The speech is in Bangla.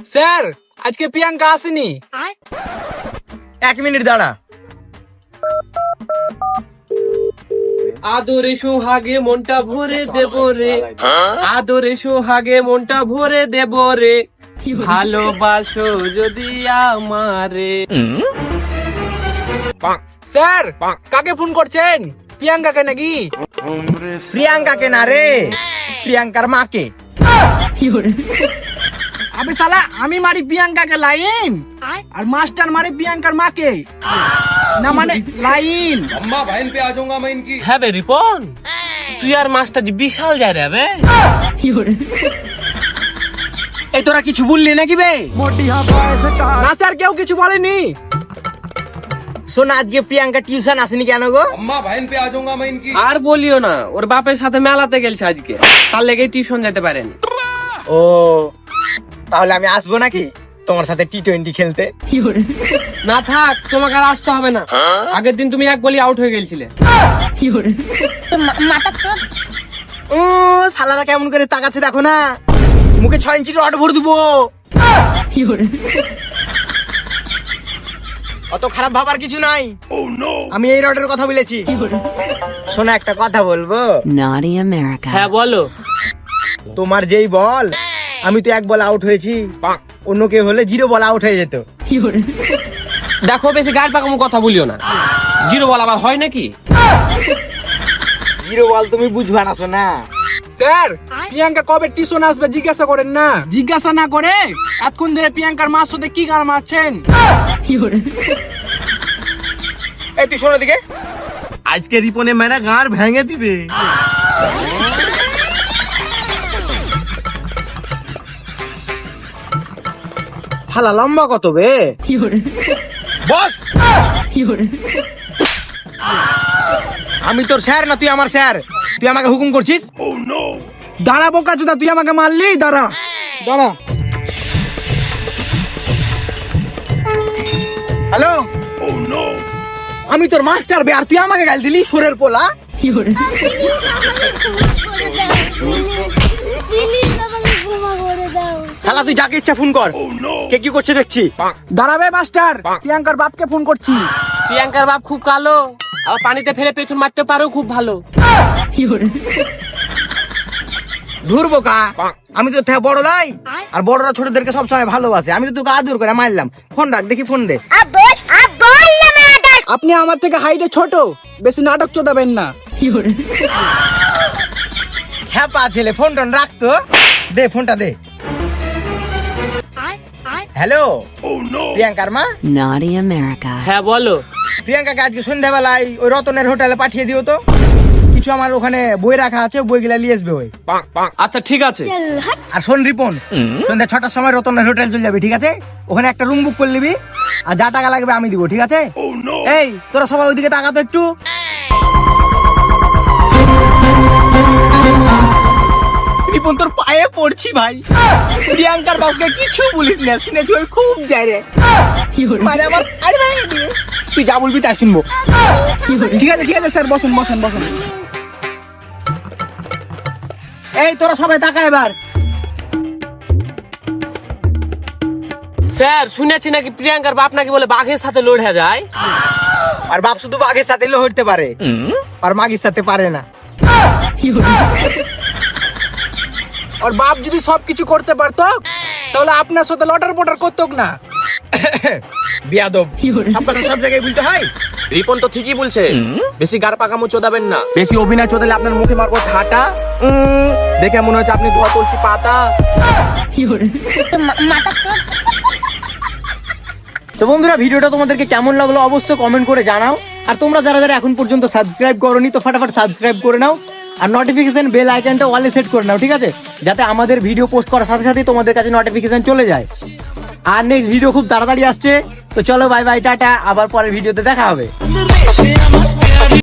স্যার আজকে প্রিয়াঙ্কা আসেনি। 1 মিনিট দাঁড়া। আদরে সোহাগে মনটা ভরে দেব রে, আদরে সোহাগে মনটা ভরে দেব রে, ভালোবাসো যদি আমারে। স্যার কাকে ফোন করছেন? প্রিয়াঙ্কাকে নাকি? প্রিয়াঙ্কাকে না রে, প্রিয়াঙ্কার মাকে। আবে শালা আমি মারি প্রিয়াঙ্কাকে লাইন আর মাস্টার মারি প্রিয়াঙ্কার মাকে না, মানে লাইন। হ্যাঁ বে রিপন, তুই আর মাস্টার জি বিশাল যায় রে বে। এই তোরা কিছু বললি নাকি বে? না স্যার কেউ কিছু বলেনি। শোন, আজকে প্রিয়াঙ্কা টিউশন আসেনি কেন গো? আর বলিও না, ওর বাপের সাথে মেলাতে গেলছে আজকে, তার লেগে টিউশন যেতে পারেন। ও তাহলে আমি আসবো নাকি তোমার সাথে T20 খেলতে? না থাক, তোমাকে আর আসতে হবে না, আগের দিন তুমি এক বলি আউট হয়ে গেছিলে। ও শালারা কেমন করে তাকাচ্ছে দেখো না, মুখে 6 ইঞ্চি রড ভরে দিব। অত খারাপ ভাবার কিছু নাই, আমি এই রডের কথা বলেছি। শোনা, একটা কথা বলবো? Naughty America. হ্যাঁ বলো। তোমার যেই বল, আমি তো 1 বল আউট হয়েছি, অন্য কেউ হলে 0 বল আউট হয়ে যেত। দেখো বেশি গাড় পাকামো কথা বলিও না, 0 বল আবার হয় নাকি? 0 বল তুমি বুঝবা না শোনা। স্যার প্রিয়াঙ্কা কবে টিউশন আসবে জিজ্ঞাসা করেন না। জিজ্ঞাসা না করে এতক্ষণ ধরে প্রিয়াঙ্কার মার সাথে কি গান মারছেন? এই তুই শোনো দিকে, আজকে রিপনে মেরা গাঁর ভেঙে দিবে। শালা লম্বা কত বে? বস, আমি তোর স্যার না তুই আমার স্যার? তুই আমাকে হুকুম করছিস? দাঁড়া বোকা চোদা, তুই আমাকে মারলি। দাঁড়া দাঁড়া। হ্যালো, আমি তোর মাস্টার বে, আর তুই আমাকে গাল দিলি সোরের পোলা। শালা তুই যাকে ইচ্ছা ফোন কর, কে কি করছে দেখছি। দাঁড়াবে মাস্টার, প্রিয়াঙ্কার বাপকে ফোন করছি। প্রিয়াঙ্কার বাপ খুব কালো, আর পানিতে ফেলে পেছন মারতে পারো খুব ভালো। ধুর বোকা, আমি তো থেকে বড় লাই, আর বড়রা ছোটদেরকে সবসময় ভালোবাসে। আমি তো তোকে আদর করে মারলাম। ফোন রাখ দেখি, ফোন দে। আপনি আমার থেকে হাইটে ছোট, বেশি নাটক চোদাবেন না। হ্যাঁ পা ছেলে, ফোন টোন রাখতো, দে ফোনটা দে। হ্যালো, প্রিয়াঙ্কার মা? Naughty America. হ্যাঁ বলো। প্রিয়াঙ্কাকে আজকে সন্ধ্যাবেলায় ওই রতনের হোটেলে পাঠিয়ে দিও তো। কিছু আমার ওখানে বই রাখা আছে, বইগুলা নিয়ে আসবে ওই। আচ্ছা ঠিক আছে। আর শোন রিপন, সন্ধ্যা 6টার সময় রতনের হোটেল চলে যাবি, ঠিক আছে? ওখানে একটা রুম বুক করে নিবি, আর যা টাকা লাগবে আমি দিব, ঠিক আছে? এই তোরা সবাই ওইদিকে তাকাতো একটু। রিপন তোর পায়ে পড়ছি ভাই, প্রিয়াঙ্কার বাবুকে কিছু বলিস না, শুনেছি ওই খুব যায় রে। মানে আমার আরে ভাই, তুই যা বলবি তাই শুনবো। ঠিক আছে ঠিক আছে স্যার, বসুন বসুন বসুন। এই তোরা সবাই তাকা এবার। স্যার শুনেছি নাকি প্রিয়াঙ্কার বাপ নাকি বলে বাঘের সাথে লড়ে যায়। আর বাপ শুধু বাঘের সাথে লড়তে পারে, আর মাগির সাথে পারে না। আর বাপ যদি সবকিছু করতে পারতো তাহলে আপনার সাথে লটার পটার করতো না। বিয়াদব, সব কথা সব জায়গায় বলতে হয়। রিপন তো ঠিকই বলছে, বেশি গার পাকামো চোদাবেন না। বেশি অভিনয় চোদালে আপনার মুখে মারবো ছাটা। দেখে মনে হচ্ছে আপনি ধোয়া তুলসী পাতা। তো বন্ধুরা, ভিডিওটা তোমাদেরকে কেমন লাগলো অবশ্যই কমেন্ট করে জানাও। আর তোমরা যারা যারা এখন পর্যন্ত সাবস্ক্রাইব করোনি, তো ফটাফট সাবস্ক্রাইব করে নাও, আর নোটিফিকেশন বেল আইকনটা অলে সেট করে নাও, ঠিক আছে? যাতে আমাদের ভিডিও পোস্ট করার সাথে সাথে তোমাদের কাছে নোটিফিকেশন চলে যায়। আর নেক্সট ভিডিও খুব তাড়াতাড়ি আসছে, তো চলো বাই বাই, টাটা, আবার পরের ভিডিওতে দেখা হবে।